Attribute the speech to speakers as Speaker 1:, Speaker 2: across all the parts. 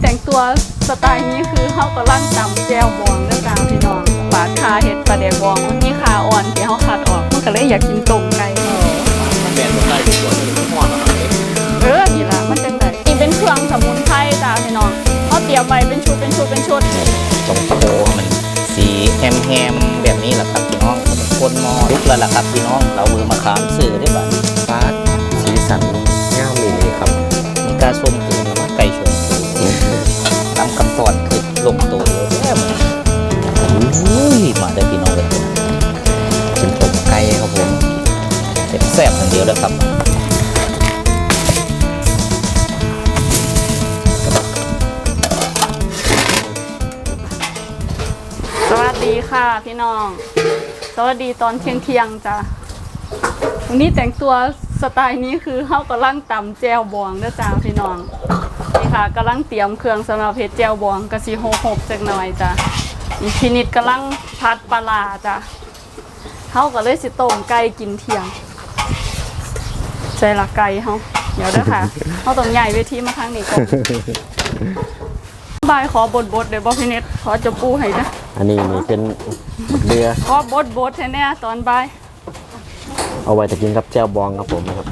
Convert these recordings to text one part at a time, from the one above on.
Speaker 1: แต่งตัวสไตล์นี้คือเขากำลังตำแจวบองด้วยกันพี่น้องปาดคาเห็ดปลาแดกบองมันมีคาอ่อนที่เขาขัดออกมันก็เลยอยากกินต้มไก่
Speaker 2: มันเป็นสไตล์ตัวนี้มันห่อนนะครับ
Speaker 1: นี่ละมันจังไดนี่เป็นเครื่องสมุนไพรจ้าพี่น้องเขาเตรียมไว้เป็นชุด
Speaker 3: ตรงโตมันสีแฮมแบบนี้แหละครับพี่น้องคนมอลุกแล้วล่ะครับพี่น้องเรามือมาขามสื่อได้บ้างฟาดสีสันงามมีนี่ครับมีกาส้มคือไก่ชนตำกับตอนคือลงตัวเลยแม่มาได้พี่น้องเลยเป็นต้มไก่ครับผมแซ่บอย่างเดียวแล้วครับ
Speaker 1: สวัสดีค่ะพี่น้องสวัสดีตอนเที่ยงจ้ะวันนี้แต่งตัวสไตล์นี้คือเขากำลังตำแจวบองด้วยจ้าพี่น้องนี่ค่ะกำลังเตรียมเครื่องสำหรับเฮ็ดแจวบองกะสิโหกจักหน่อยจ้ะนี่พี่นิดกำลังผัดปลาร้าจ้ะเขาก็เลยสิต้มไก่กินเที่ยงใจละไก่เขาเดี๋ยวเด้อค่ะเขาต้องใหญ่เวทีมาข้างนี้ก่อนบายขอบดเดี๋ยวบอกพี่นิดขอจะปูให้นะ
Speaker 2: อันนี้นี่เป็นเรือ
Speaker 1: ขอบดให้แน่ตอนบ่าย
Speaker 2: เอาไว้จะกินกับแจ่วบองครับผมนะครับ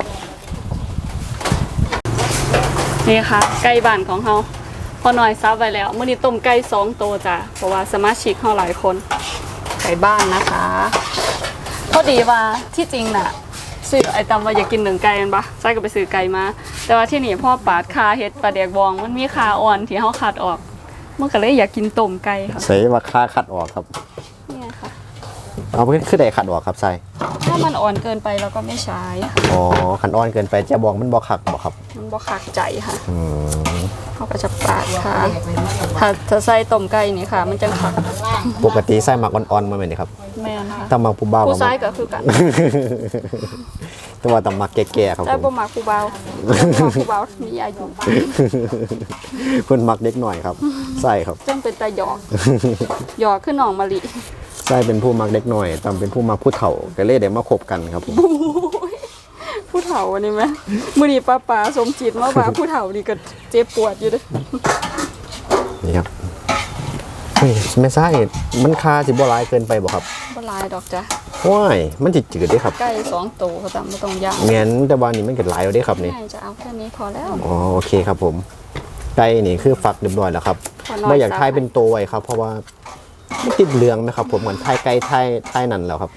Speaker 1: นี่ค่ะไก่บ้านของเราพอหน่อยซับไว้แล้วมื้อนี้ต้มไก่2ตัวจ้ะเพราะว่าสมาชิกเราหลายคนไก่บ้านนะคะพอดีว่าที่จริงน่ะซื้อไอตำว่าอยากกิน1ไก่กันปะใช่ก็ไปซื้อไก่มาแต่ว่าที่นี่พ่อปาดคาเฮ็ดปลาแดกบองมันมีคาอ่อนที่เขาขัดออกมันก็เลยอยากกินต้มไก่ค่ะ
Speaker 2: ใส่ว่าค่าคัดออกครับ
Speaker 1: นี่ค่ะ
Speaker 2: เอาเพื่อขึ้นได้คัดออกครับใส่
Speaker 1: ถ้ามันอ่อนเกินไปเราก็ไม่ใช้
Speaker 2: อ๋อขันอ่อนเกินไปแจ่วบองมันบ่คักบ่ครับ
Speaker 1: มันบ่คักใจค่ะเขาก็จะปาดค่ะถ้าใส่ต้มไก่นี่ค่ะมันจะคัก
Speaker 2: ปกติใส่หมักอ่อนๆมาเหมือนนี่ครับ
Speaker 1: แม่นค่ะ
Speaker 2: ตำหมักผู้เบา
Speaker 1: ผู้ชายก็คือกัน
Speaker 2: แต่ว่าตำหมักแก่ๆครับ
Speaker 1: แต่บ่มักผู้เบาผู้เบามีอายุ
Speaker 2: เพิ่นมักเด็กหน่อยครับใส่ครับ
Speaker 1: จังเป็นตาหยอกขึ้นหนองมะลิ
Speaker 2: ใส่เป็นผู้มักเด็กหน่อยตำเป็นผู้มักผู้เฒ่าก็เลยได้มาคบกันครับผม
Speaker 1: ผู้เฒ่าอันนี้ไหมมื้อนี้ป้าสมจิตมาว่าผู้เฒ่านี่ก็เจ็บปวดอยู่เด้อ
Speaker 2: นี่ครับไม่ใช่มันคาสิบ่หลายเกินไปบ่ครับ
Speaker 1: บ่หลายดอกจ้ะ
Speaker 2: ว้ายมันจิจืดได้ครับ
Speaker 1: ไก่2ตัวเขาตำบ่ต้องย่าง
Speaker 2: งั้นแต่ว่านี่มันก็หลายแล้วได้ครับนี่
Speaker 1: จะเอาแค่นี้พอแล้ว
Speaker 2: อ๋อโอเคครับผมไก่นี่คือฝักเรียบร้อยแล้วครับบ่อยากทายเป็นตัวไว้ครับเพราะว่าไม่ติดเหลืองนะครับผมเหมือนทายไก่ทายนั่นแล้วครับ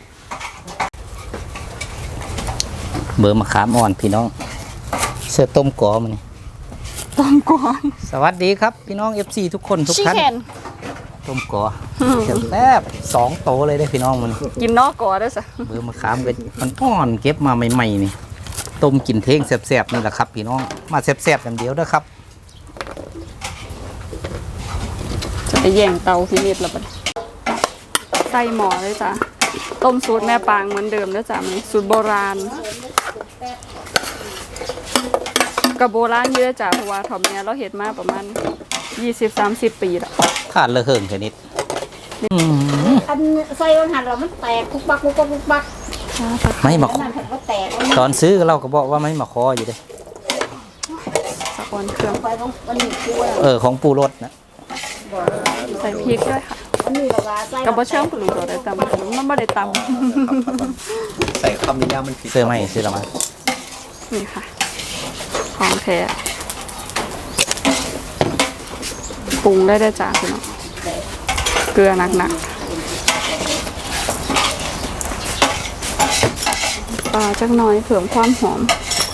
Speaker 3: เบอร์มะขามอ่อนพี่น้องเสื้อต้มกอมัน
Speaker 1: ต้มกอ
Speaker 3: สวัสดีครับพี่น้อง FC ทุกคนทุกท่านต้มกอแซ่บ2โตเลยได้พี่น้องมัน
Speaker 1: กินนอกกอได้ซะ
Speaker 3: เบอร์มะขามก็มันอ่อนเก็บมาใหม่ๆนี่ต้มกินเท่งแซ่บๆนี่แหละครับพี่น้องมาแซ่บๆอย่างเดียวเด้อครับ
Speaker 1: จะไปแย่งเตาพี่นิดแล้วบัดใส่หม้อเลยจ้ะต้มสูตรแม่ปางเหมือนเดิมนะจ๊ะมันสูตรโบราณกับโบราณเยอะจ้ะเพราะว่าทอมเนี่ยเราเห็ดมาประมาณ20-30 ปีแล้ว
Speaker 3: ขาดเลยเหิงแค่นิด
Speaker 4: อันใส่วันหันเรามันแตกคุกบัก
Speaker 3: ไม่มาตอนซื้อเราก็บอกว่าไม่มาคออยู่เลย
Speaker 1: สักวันเครื่อง
Speaker 3: ของปูรสนะ
Speaker 1: ใส่พริกด้วยค่ะกับบ่เชื่อมปลูกอะไรตำมันไม่ได้ต
Speaker 2: ใส่คำนิยามมัน
Speaker 3: เสื้อไหมซื้อละมา
Speaker 1: นี่ค่ะของแท้ปรุงได้จ้าพี่น้องเกลือหนักปลาจักหน่อยเพิ่มความหอม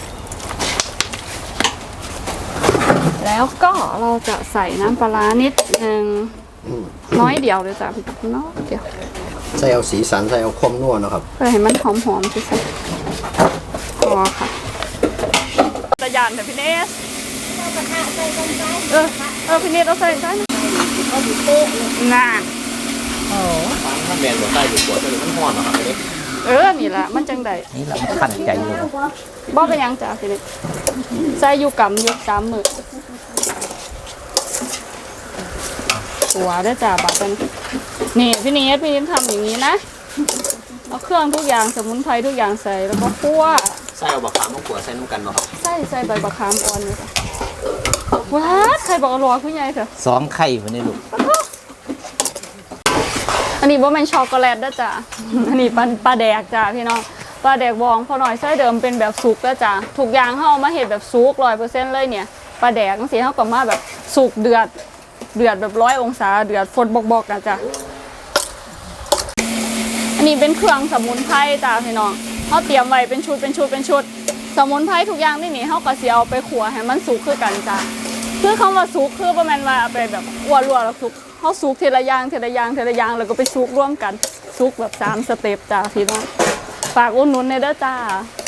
Speaker 1: แล้วก็เราจะใส่น้ำปลานิดนึงน้อยเดียวเลยจ้ะพี่น้องเดียว
Speaker 2: ใส่เอาสีสันใส่เอาความนัวนะครับ
Speaker 1: เพื่อให้มันหอมๆสิพอค่ะตะยานแต่พี่เนสพี่เนสเอาใส่ใช่ไหมน่า
Speaker 2: ถ้าแมนแบบใส่อยู่ขวดจะมันห่อนนะครับ
Speaker 1: นี่แหละมันจังใด
Speaker 3: นี่แหละมันขัดใจเลย
Speaker 1: บ่เป็นยังจ้ะพี่เนสใส่อยู่กับอยู่3 มื้อหัวได้จ่าบาทนี่พี่เนสทำอย่างนี้นะเอาเครื่องทุกอย่างสมุนไพรทุกอย่างใส่แล้วก็คั่ว
Speaker 2: ใส่เอาบะขามมาขั่วใส่น้ำกันเนาะ
Speaker 1: ใส่ใบบะขามอ่อนเลยค่ะคั่ว้าใครบอกอร่อยคุณยายเถอะ
Speaker 3: 2ไข่พุ่นนี่ลูก
Speaker 1: อันนี้ว่าเป็นช็อกโกแลตนะจ๊ะ อันนี้ปลาแดกจ้ะพี่น้องปลาแดกบองพอหน่อยไส้เดิมเป็นแบบสุกแล้วจ้ะทุกอย่างเขาเอามาเห็ดแบบสุก100%เลยเนี่ยปลาแดกทั้งสีเขาก็มาแบบสุกเดือดแบบ100 องศาเดือดฟดบอกๆนะจ๊ะอันนี้เป็นเครื่องสมุนไพรจ้ะพี่น้องเขาเตรียมไว้เป็นชุดสมุนไพรทุกอย่างนี่เขาก็เสียเอาไปขัวให้มันสุกคือกันจ้ะคือคำว่าสุกคือประมาณว่าเอาไปแบบอ้วนรัวแล้วสุกเขาสุกทีละอย่างแล้วก็ไปสุกร่วมกันสุกแบบ3 สเต็ปจ้ะพี่น้องฝากอุดหนุนในเด้อจ้า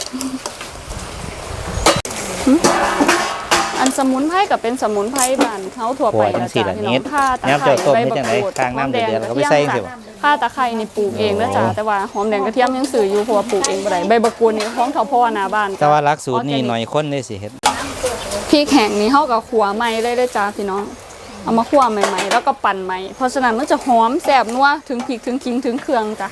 Speaker 1: อันสมุนไพรกับเป็นสมุนไพรบ้านเขาถั่วไปนะจ๊ะพี่น้องข่าตะไคร้ใบมะกรูดหอมแดงกระเทียมจ้ะข่าตะไคร้นี่ปลูกเองนะจ๊ะแต่ว่าหอมแดงกระเทียมยังซื้ออยู่เพราะว่าปลูกเองบ่ได้ใบมะกรูดนี่ของเขาพ่อหน้าบ้าน
Speaker 3: แต่ว่าหลักสูตรนี่หน่อยคนได้สิเฮ็ด
Speaker 1: พริกแห้งนี่เขากับขัวใหม่เลยเด้อจ้าพี่น้องเอามาขัวใหม่ๆแล้วก็ปั่นใหม่เพราะฉะนั้นมันจะหอมแซ่บนัวถึงพริกถึงขิงถึงเครื่องจ้ะ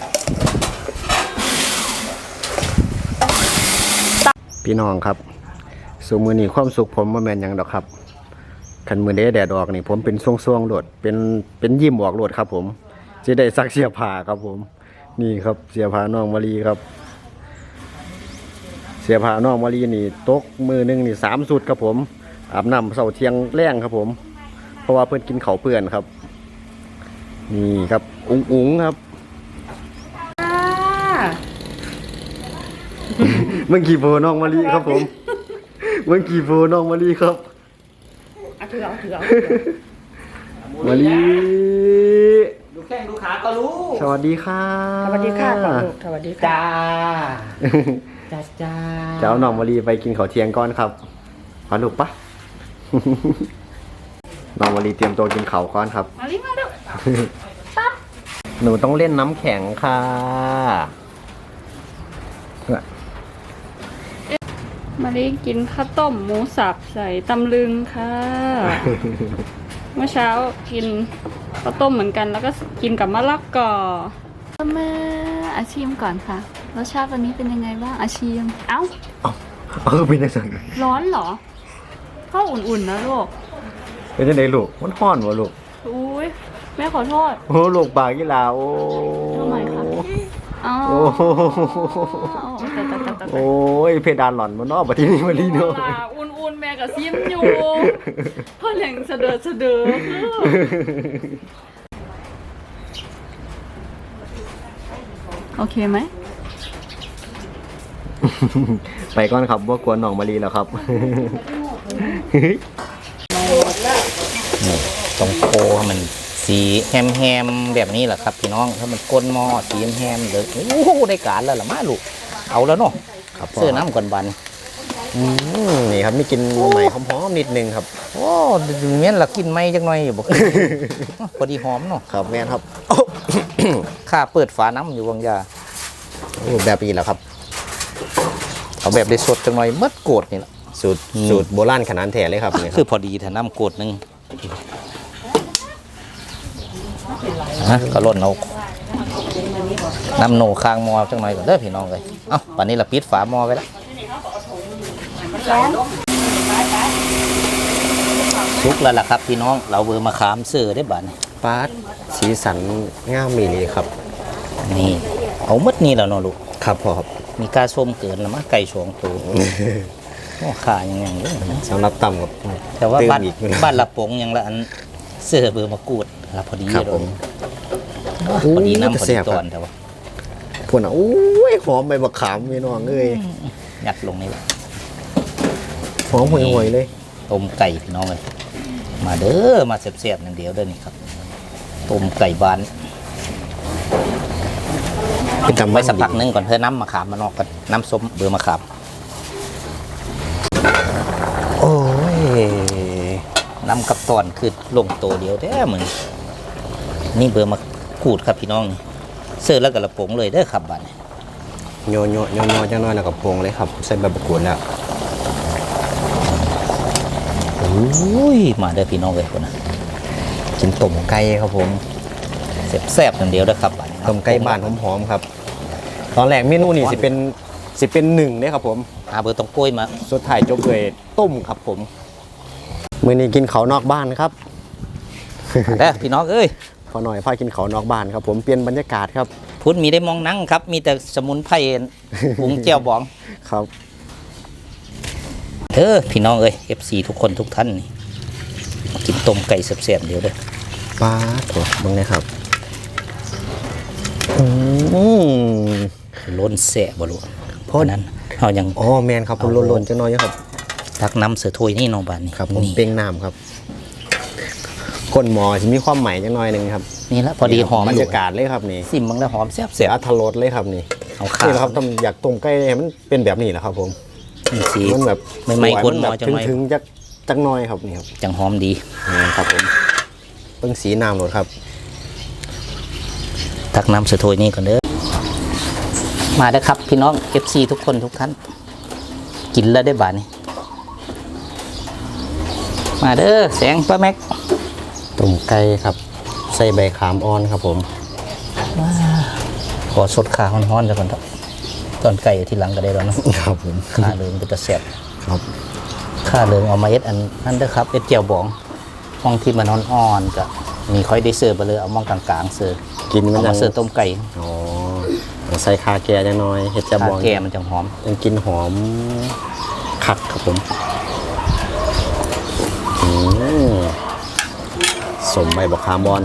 Speaker 2: พี่น้องครับสู่มือนี้ความสุขผมบ่แม่นหยังดอกครับคันมือเด้แดดออกนี่ผมเป็นช่วงๆโลดเป็นยิ้มออกโลดครับผมจะได้ซักเสื้อผ้าครับผมนี่ครับเสื้อผ้าน้องมะลีครับเสื้อผ้าน้องมะลีนี่ตกมือนึงนี่3 สุดครับผมอาบน้ำเช้าเที่ยงแรงครับผมเพราะว่าเพิ่นกินข้าวเปื้อนครับนี่ครับอุ๋งครับเมื่อกี้โฟน้องมะลีครับผมเมื่อกี้โฟน้องมะลีครับถือมะลี
Speaker 3: ดูแข้งดูขาก็รู้
Speaker 2: สวัสดีค่ะ
Speaker 4: สวัสดีค่ะก่อนลูกสวัสดีค่ะ
Speaker 3: จ้า
Speaker 4: จ้าจ้า
Speaker 2: เจ้าน้องมะลีไปกินข้าวเที่ยงก่อนครับพาลูกปะ น้องมะลีเตรียมตัวกินข้าวก่อนครับ
Speaker 1: มาลิมาเด้อ
Speaker 2: หนูต้องเล่นน้ำแข็งค่ะ
Speaker 1: มาลิกินข้าวต้มหมูสับใส่ตำลึงค่ะ เมื่อเช้ากินข้าวต้มเหมือนกันแล้วก็กินกับมะละกอมาอาชีมก่อนค่ะรสชาติวันนี้เป็นยังไงบ้างอาชีมเอ้า
Speaker 2: เป็นยังไง
Speaker 1: ร้อนเหรอข้าวอุ่นๆนะลูก
Speaker 2: เป็นยังไงลูกมันห้อนวะลูก
Speaker 1: อุ้ยแม่ขอโทษ
Speaker 2: โอ้ลูกบากยี่ลาโอ้
Speaker 1: ทำไมคะอ๋อ
Speaker 2: โอ้โอ้ยเพดานหล่อนมันนอกประเทศนี้มาลีเนาะ
Speaker 1: อุ่นๆแม่กับซิมอยู่เพ่อแหล่งเสดอโอเคไหม
Speaker 2: ไปก่อนครับว่ากวนน้องมาลีแล้วครับ
Speaker 3: ตรงโคให้มันสีแฮมๆแบบนี้แหละครับพี่น้องถ้ามันก้นหม้อสีแฮมๆเลยโอ้โหได้การแล้วล่ะมาลูกเอาแล้วเนาะ
Speaker 2: ครับ
Speaker 3: เสื้อน้ำก่อนบัน
Speaker 2: นี่ครับมีกินใหม่หอมๆนิดนึงครับ
Speaker 3: โอ้เมียนละกินไหมจังหน่อยอยู่บ่ พอดีหอมเนาะ
Speaker 2: ครับแม่นครับ
Speaker 3: ข้าเปิดฝาน้ำอยู่บางยา
Speaker 2: โอ้แบบนี้แหละครับ
Speaker 3: เอาแบบได้สดจังหน่อยมัดโกดนี่แหละ
Speaker 2: สูตรโบราณขนาดแท้เลยครับนี่ค
Speaker 3: คื
Speaker 2: รั
Speaker 3: อบ พอดีถ้าน้ำโกดหนึงนะก็ล่นเอาน้ำโหนค้างหม้อจังหน่อยก่อนเด้อพี่น้องเลยเอ้าป่านนี้เราปิดฝาหม้อไว้แล้วสุกแล้วล่ะครับพี่น้องเราเบอร์มาขามเสือได้บ้าน
Speaker 2: ปาดสีสันงามมีเลยครับ
Speaker 3: นี่เอามัดนี่แล้วเนาะลูก
Speaker 2: ครับพ่อครับ
Speaker 3: มีกาส้มเกินแล้วมั้งไก่สองตัวโอ้ขายังไงเลยนะ
Speaker 2: สำหรับต่ำกับ
Speaker 3: แต่ว่าบ้าน
Speaker 2: อีกอยู่นะ
Speaker 3: บ้านละปงยังละอันเสื้อเบอร์มะกรูดละพอดี
Speaker 2: ครับ
Speaker 3: เล
Speaker 2: ผ
Speaker 3: ย
Speaker 2: ม
Speaker 3: พอดีน้ำพอ
Speaker 2: แซ่
Speaker 3: ดี
Speaker 2: บ
Speaker 3: ต
Speaker 2: ค
Speaker 3: อ
Speaker 2: รั
Speaker 3: น
Speaker 2: บ
Speaker 3: แต่ว่า
Speaker 2: พวกน่ะโอ้ยหอมใบมะขามพี่น้องเอ้ย
Speaker 3: ยัดลงนี่แหละ
Speaker 2: หอมห่วยๆเลย
Speaker 3: ต้มไก่พี่น้องเลยมาเด้อมาเสียบๆอย่างเดียวเด้อนี่ครับต้มไก่บ้าน
Speaker 2: เป็นตำ
Speaker 3: ไว้สักพักหนึงก่อนเพื่อน้ำมะขามมานอกกันน้ำส้มเบอร์มะขาม
Speaker 2: โอ้ย
Speaker 3: น้ำกับตอนคือลงตัวเดียวแท้เหมือนนี่เบอร์มะกรูดครับพี่น้องนี่เสื้อแล้วก็ละปงเลยเด้อครับบ้าน
Speaker 2: โยจังน้อยแล้วก็พวงเลยครับใส่ใบมะกรูดแล้ว
Speaker 3: อุ้ยมาเด้อพี่น้องเลยคนนะ
Speaker 2: กินต้มไก่ครับผม
Speaker 3: แซ่บๆอย่างเดียวเด้อครับบ้าน
Speaker 2: ต้มไก่บ้านหอมๆครับ ตอนแรกเมนูนี่สิเป็น1เนี่ยครับผม
Speaker 3: เบอร์ตรงกล้วยมา
Speaker 2: สุดท้ายจบด้วยต้มครับผมมื้อนี้กินข้าวนอกบ้านครับ
Speaker 3: เด้อพี่น้องเอ้ย
Speaker 2: พอหน่อยพากินข้าวนอกบ้านครับผมเปลี่ยนบรรยากาศครับ
Speaker 3: พุทธมีได้มองหนั่งครับ มีแต่สมุนไพรปรุงแจ่วบอง
Speaker 2: ครับ
Speaker 3: พี่น้องเอ้ย FC ทุกคนทุกท่านนี่กินต้มไก่แซ่บๆเดี๋ยวเด้อ
Speaker 2: ปลาถั่วมึงนะครับ
Speaker 3: ล้นแสะบ่รู้เพราะนั้นเฮายัง
Speaker 2: อ๋อแมนครับผมหล่นๆจังน้อยอยู่ครับ
Speaker 3: ตักน้ำเสือถ้วยนี่น้องบานนี่
Speaker 2: ครับผม
Speaker 3: นี่
Speaker 2: เป้งน้ำครับคนหมอจะมีความหมายจังน้อยหนึงครับ
Speaker 3: นี่ละพอดีหอม
Speaker 2: บร
Speaker 3: อ
Speaker 2: ร
Speaker 3: ยู่
Speaker 2: ยากาศเลยครับนี่
Speaker 3: ซิมบังแล้วหอมแซ่บ
Speaker 2: เสียอัธรสเลยครับนี่
Speaker 3: ๆเอาข้าว
Speaker 2: นี่แหละครับต้องอยากต้มไก่ให้มันเป็นแบบนี้แหละครับผม
Speaker 3: สี
Speaker 2: มันแบบ
Speaker 3: ไม่ๆคนหมอ
Speaker 2: แบบ
Speaker 3: จังหน่อย
Speaker 2: ถึงๆจักหน้อยครับนี่ครับ
Speaker 3: จังหอมดี
Speaker 2: นี่ครับผมเบิ่งสีน้ำโหลดครับ
Speaker 3: ตักน้ำเสือถ้วยนี่ก่อนเด้อมาเด้อครับพี่น้อง FC ทุกคนทุกท่านกินแล้วได้บาดนี่มาเด้อแสงป้าแม็ก
Speaker 2: ต้มไก่ครับใส่ใบขามอ่อนครับผม
Speaker 3: ขอสดขาฮ้อนๆซะก่อนเถอะตอนไก่ที่หลังก็ได้แล้วเนาะ
Speaker 2: ครับผม
Speaker 3: ข้าเลิงก็จะแซ่บ
Speaker 2: ครับ
Speaker 3: ข้าเลิงเอามาเอ็ดอันนั้นเด้อครับเอ็ดเจียวบองมองที่มันอ่อนๆก็มีค่อยได้เสิร์ฟไปเลยเอามองกลางๆเสิร์ฟ
Speaker 2: กินมัน
Speaker 3: เอา
Speaker 2: ยั
Speaker 3: มาง เสิร์ฟต้มไก่
Speaker 2: อ๋อเอาใส่คาแก่จังน้อยเห็ดจะบ
Speaker 3: ข้า
Speaker 2: อง
Speaker 3: แก่มันจังหอม
Speaker 2: ยังกินหอมคักครับผมอืมสมใบบักขามบอน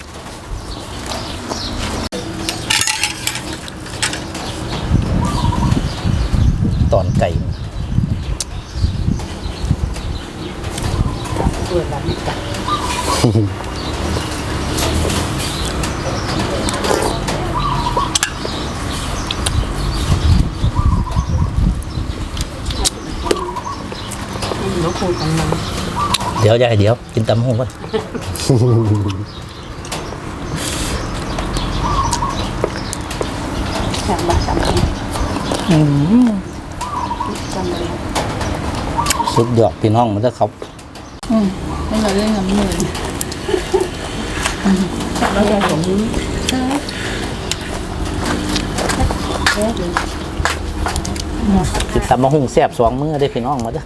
Speaker 3: ตอนไก่เดี๋ยวยายเดี๋ยวกินตำหูก่อน สุดยอดพี่น้องมันจะเขา
Speaker 1: ไม่เราเล่นกับมือ
Speaker 3: ติดตามมาหุงแซ่บสองมื้อได้พี่น้องมาเด้อ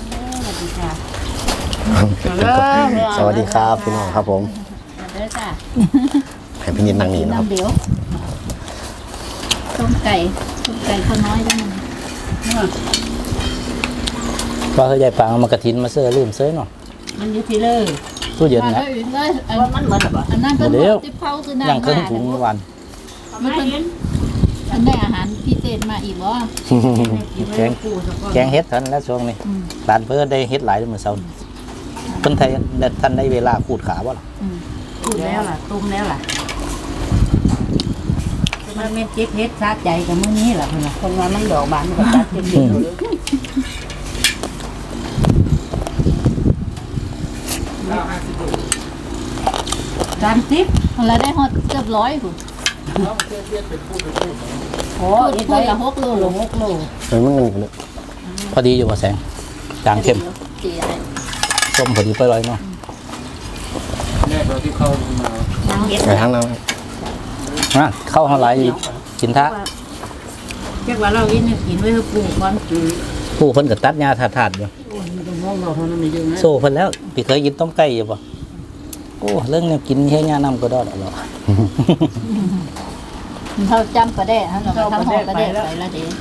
Speaker 2: สวัสดีครับพี่น้องครับผม
Speaker 4: เด้อจ้ะ
Speaker 2: ให้พี่นิดนั่งนี่นะครับ
Speaker 4: น้ำเดียวต้มไก่ข้าวน้อยได้มั้ย
Speaker 3: ว่าเขาใหญ่ปางเอามากระถินมาเสื้อลืมเสื้อหน่อย
Speaker 4: มันอยู่ที่เลย
Speaker 3: ตู้เย็นนะ
Speaker 4: ว่ามันเหมือนแบบอันนั้นก็
Speaker 3: เดี๋ยว
Speaker 4: ที่เผาคือน้ำ
Speaker 3: อย่างเครื่องถุงวัน
Speaker 4: มันเป็นอันได้อาหารพิเศษมาอีกบ่
Speaker 3: แกงเฮ็ดทันแล้วช่วงนี้ร้านเพื่อได้เฮ็ดหลายเมื่อเช้าเพิ่นไทยท่านได้เวลาขูดขาบ่ล่ะ
Speaker 4: ตุ้มแล้วล่ะตุ้มแล้วล่ะมันเม็ดเจ็บเฮ็ดซาใจกับมื้อนี้ล่ะเพิ่นน่ะคนว่ามันดอกบานมันก็ตัดเจ็บเฮ็ดเลย30แล้วได้ฮอดเกือบ100พุ่นโอ้ยไปละ6โล6โล
Speaker 2: เฮ้ยมันเงินกันเลย
Speaker 3: พอดีอยู่บ่แสงจางเข้ม
Speaker 4: สีอะไร
Speaker 3: ส้มพอดีไปเลยเนาะ
Speaker 4: นางเฮ็ด
Speaker 2: ไปทางนั้น
Speaker 3: เข้าเฮาหลายกินทะ
Speaker 4: เรียกว่าเรากินกินไว้ให้ปลูกก่อน
Speaker 3: ผู้เพิ่นก็ตัดหญ้าถาดๆอยู่โซ่เพิ่นแล้วพี่เคยกินต้มไก่อยู่บ่โอ้เรื่องแนวกินแค่หญ้าน้ำก็ได้แล้ว
Speaker 4: เขาจำประเดะเขาทำหอประเดะใส่ละเดะ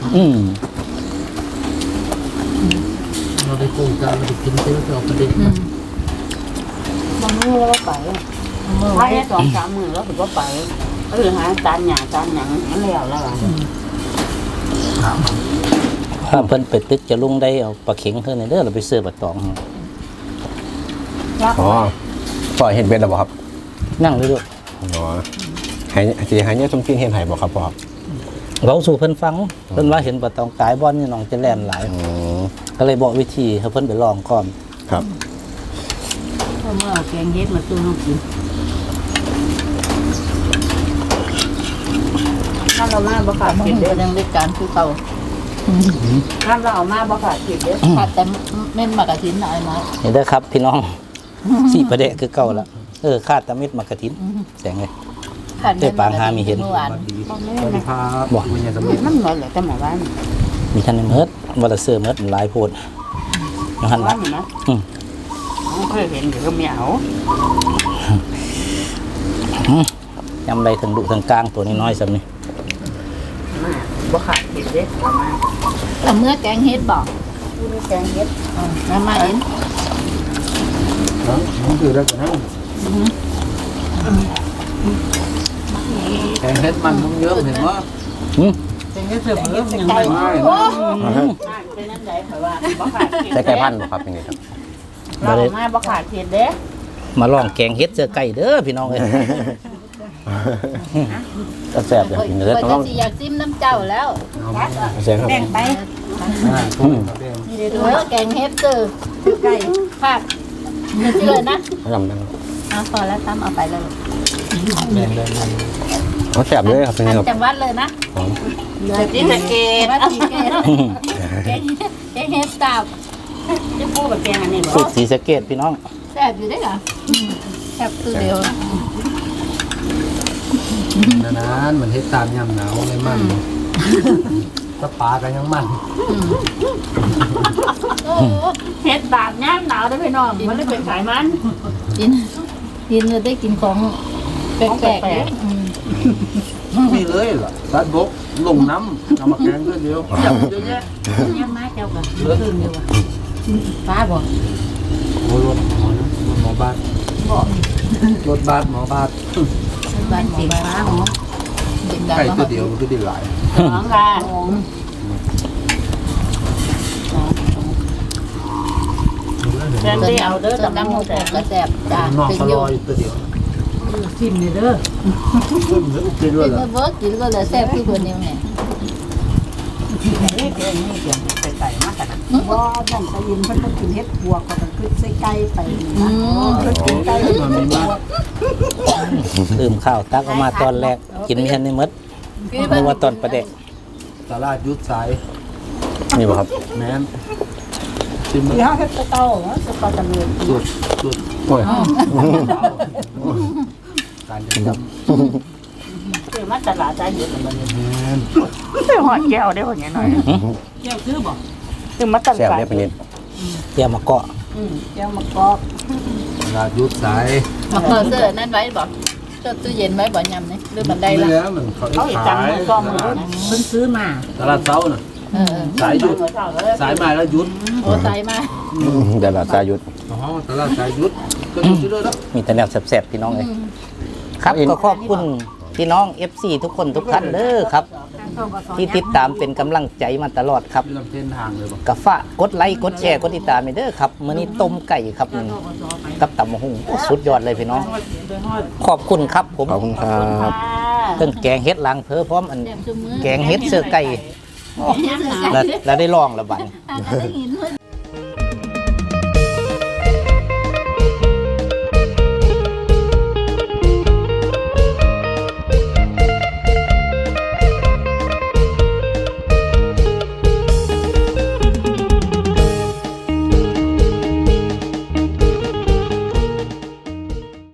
Speaker 5: เราไปปลูกกันเราไปกินซื้อเราไปดิ
Speaker 4: มันมือแล้วก็ไปถ้าแค่2-3 มื้อแล้วถึงก็ไปหาจานหยาจานหยังมันแล้วล่ะ
Speaker 3: ถ้าเพิ่นไปตึกจะลุงได้เอาปลาเข็งเพิ่นเด้อเราไปซื้อบักตอง
Speaker 2: อ๋อปล่อยเห็ดเบ็ดหรอครับ
Speaker 3: นั่งเลยลูก
Speaker 2: อ๋อหายสีหายเนี่ยสมกินเห็ดไห่บ่ครับพ่อครับ
Speaker 3: เว้าสู่เพิ่นฟังเพิ่นว่าเห็นบักตองกายบ่อนนี่น้องจะแล่นหลาย
Speaker 2: อืม
Speaker 3: ก็เลยบอกวิธีให้เพิ่นไปลองก่อน
Speaker 2: ครับ
Speaker 4: เมื่อเอาแกงเฮ็ดมาตู้น้องกินถ้าเรามาบ่ขาดกินเด้อยังได้การคือเขาถ้าเราเอามาบ่ขาดกินเด้อขาดแต่เม่นมากระถินหน่อยมา
Speaker 3: เห็นเด้อครับพี่น้อง สีประเดะคือเก่าแล้วคาดตะมิดมากระถินแสงเลย เอ้ยปางหามีเห็น
Speaker 5: สวัสดีครับคุณยายสมิท
Speaker 4: มันเหมือนเลยแต่หมู่บ้าน
Speaker 3: มีท่านในเมิดวันละเสื้อเมิดหลายโพดอยู่หัน
Speaker 4: บ้า
Speaker 3: ละ
Speaker 4: นนะ
Speaker 3: อืม
Speaker 4: เเคยเห็นอยู่ก็ไม่เอา
Speaker 3: ยำใดถึงดุถึงกลางตัวนี้น้อยสำนี่
Speaker 4: มาบ่ขาดเห็ดเด้ประมาณ
Speaker 6: เอาเมื่อแกงเฮ็ดบอก
Speaker 4: ผู้มีแกงเห็ด
Speaker 6: แล้วมาเอง
Speaker 5: มันคือได้กันนะแกงเฮ็ดมันต้องเยอะเห็นว่า
Speaker 4: แกงเห็ดเสือเพิ่มยังไม่
Speaker 5: ง่าย
Speaker 4: เป็นนั่นไหนเพราะว่าบ่ขาดเห็ด
Speaker 2: ใช้ไก่พันธุ์บ่ครับยังไงครับ
Speaker 4: เรามาบ่ขาดเห็ดเด้
Speaker 3: มาลองแกงเฮ็ดเสื้อไก่เด้อพี่น้องเอ้ย
Speaker 2: ก็แซ่บอย่างกินเนื้อ
Speaker 6: เปิด
Speaker 2: ต้
Speaker 6: จะ
Speaker 2: อง
Speaker 6: สิอยากจิ้มน้ำเจ้าแล้ว
Speaker 2: แซ่บครับ
Speaker 4: แบ่งไป
Speaker 6: นี่เลยด้วยแกงเฮ็ดคือไก่ผักนี่เชื่อนะ
Speaker 2: ยำดัง
Speaker 6: เอาพอแล้วตั้มเอาไปเลย
Speaker 2: เขาแซ่บเลยครับยังไงครับ
Speaker 6: จังหวัดเลยนะ
Speaker 4: ที่สะเกด
Speaker 6: วัดสีเกตแกงเฮ็ดตับ
Speaker 4: จะพูดกับแกงอันนี้บ่
Speaker 3: สูตรสีสะเกดพี่น้อง
Speaker 6: แซ่บอยู่ได้เหรอแซ่บคือเดียวน
Speaker 5: านๆมันเฮ็ดตามยามหนาวเลยมันถ้าปลากันยังมัน
Speaker 6: โอ้
Speaker 4: เห็ดบาดน้ำหนาวได้อพี่น้องมันเลยเป็นไขมัน
Speaker 6: กินเลยได้กินของแปลกๆเนี่ย
Speaker 5: มีเลยล่ะสัตว์บกลงน้ำเอามาแกงเพื่อเดียวจับเยอะแยะ
Speaker 6: ยังมาเจ้ากันคืนอยู่ว่ะป้าบอก
Speaker 5: โอ้รถหมอบ้านรถบ้านหมอบ้าน
Speaker 6: บ้านสีฟ้าหรอกินได้
Speaker 5: ไก่
Speaker 6: แล้ว
Speaker 5: ตัวเดียวมันก็ได้หลาย
Speaker 4: น้องกัน เดินไปเอาเด้อ
Speaker 6: เติม
Speaker 4: น้ำ
Speaker 6: น้ำ
Speaker 4: มู
Speaker 6: มู
Speaker 4: ก
Speaker 6: ก
Speaker 4: แต่
Speaker 6: กระแสบจ้า
Speaker 5: นอก
Speaker 6: เป็น
Speaker 5: ก็
Speaker 6: อ
Speaker 5: ร
Speaker 6: ยู่
Speaker 5: ออยู่ตัวเดียว
Speaker 4: ชิมนี่เด้อ
Speaker 5: ขึ้นหรืออุกกินด้ว
Speaker 6: กิ
Speaker 5: ย
Speaker 6: น
Speaker 5: เหรอ
Speaker 6: เบิร์กกินก็เลยแซ่บคือคนเดียวเนี่ย
Speaker 4: นี่เกินนี่เกินไปใส่มากกันนะ
Speaker 7: ว่าดันไปยินเพิ่นก็กินเฮ็ดบวกก็ต้องขึ้นใส่ไก่ไป
Speaker 6: อืม
Speaker 7: เพิ่นกินไก่
Speaker 5: มันมีมาก
Speaker 3: ลืมข้าวตักออกมาตอนแรกกินไม่ทันในมดนึกว่าตอนประเดะ
Speaker 5: ตลาดยุทธสาย
Speaker 2: นี่บ่ครับ
Speaker 5: แม่นชิมมัน
Speaker 7: ที่เฮาเฮ็ดเต้าสปาตะเลือ
Speaker 5: สุด
Speaker 2: โอ้ย
Speaker 5: การจะจ
Speaker 4: คือมาตลาดใจเยอะเหมือนกัน
Speaker 5: ำแม่น
Speaker 4: คือหอดแก้วได้หอดหน่อยแก้วคือบ่คือมาต
Speaker 2: แซ่บ
Speaker 4: ลาด
Speaker 2: เลยเป็นนิด
Speaker 3: เตรียมมาเกาะ
Speaker 7: แก้วมะกอก
Speaker 5: ตลาดยุทธสาย
Speaker 6: มาเสื้อนั่นไว้บอกเสื้อตู้เย็นไว้บ่ยำนี่หรือบันได
Speaker 5: ไม่
Speaker 6: ละ
Speaker 5: แล้วมันเขา
Speaker 4: เขาอีก
Speaker 5: ขา
Speaker 4: จัง
Speaker 5: ย
Speaker 4: มือก็มือ
Speaker 7: เพิ่นซื้อมา
Speaker 5: ตลาดเช้าน่ะ
Speaker 6: เออ
Speaker 5: สายหยุดสายมาแล้วหยุด
Speaker 6: โอ้ตายมา
Speaker 2: เดี๋ยวเราจะหยุด
Speaker 5: อ๋อตลาดสายหยุดก็หยุดอยู่ด้วยแล้ว
Speaker 3: มีแต่แนวแซ่บๆพี่น้องเอ้ยครับก็ขอบคุณพี่น้อง FC ทุกคนทุกท่านเด้อครับ ที่ติดตามเป็นกำลังใจมาตลอดครับ
Speaker 5: อยู่ลำเส้นทางเลยบ่
Speaker 3: กะฝากกดไลค์กดแชร์กดติดตามไปเด้อครับมื้อนี้ต้มไก่ครับนี่กับตำบักหุ่งโอ้สุดยอดเลยพี่น้อง ขอบคุณครับผม
Speaker 2: ขอบคุณครับ
Speaker 3: เครื่องแกงเฮ็ดล้างเพอพร้อมอัน
Speaker 6: แซ่บซุมือ
Speaker 3: แกงเฮ็ดเสื้อไก่
Speaker 6: แซ่บ
Speaker 3: แล้วได้ลองแล้วบัด
Speaker 6: ได้ยิน